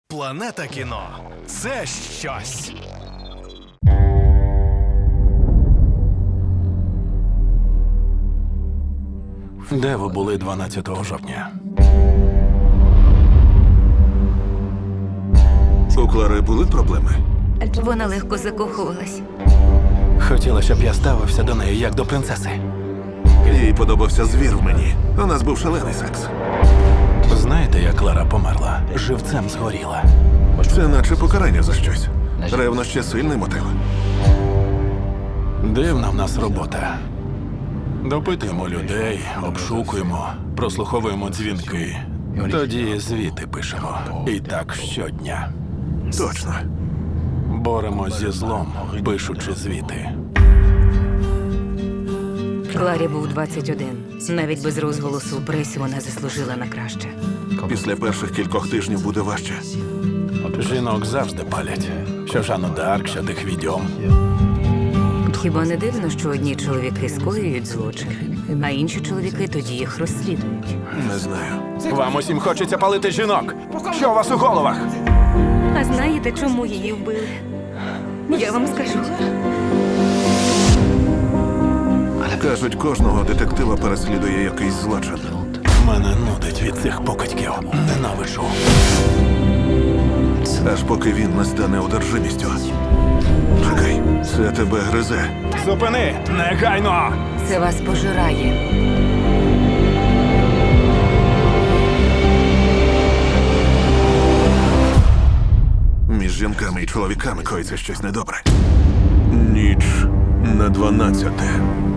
Планета кіно – це щось. Де ви були 12 жовтня? У Клари були проблеми? Вона легко закохувалась. Хотіла, щоб я ставився до неї як до принцеси. Їй подобався звір в мені. У нас був шалений секс. Знаєте, як Клара померла? Живцем згоріла. Це наче покарання за щось. Ревнощі – сильний мотив. Дивна в нас робота. Допитуємо людей, обшукуємо, прослуховуємо дзвінки. Тоді звіти пишемо. І так щодня. Точно. Боремось зі злом, пишучи звіти. Кларі був 21. Навіть без розголосу у пресі вона заслужила на краще. Після перших кількох тижнів буде важче. Жінок завжди палять. Що Жанну д'Арк, що тих відьом. Хіба не дивно, що одні чоловіки скоюють злочин, а інші чоловіки тоді їх розслідують? Не знаю. Вам усім хочеться палити жінок. Що у вас у головах? А знаєте, чому її вбили? Я вам скажу. Кажуть, кожного детектива переслідує якийсь злочин. Мене нудить від цих покидьків. Ненавиджу. Аж поки він не стане одержимістю. Чекай, це тебе гризе. Зупини! Негайно! Це вас пожирає. Між жінками і чоловіками коїться щось недобре. Ніч на 12.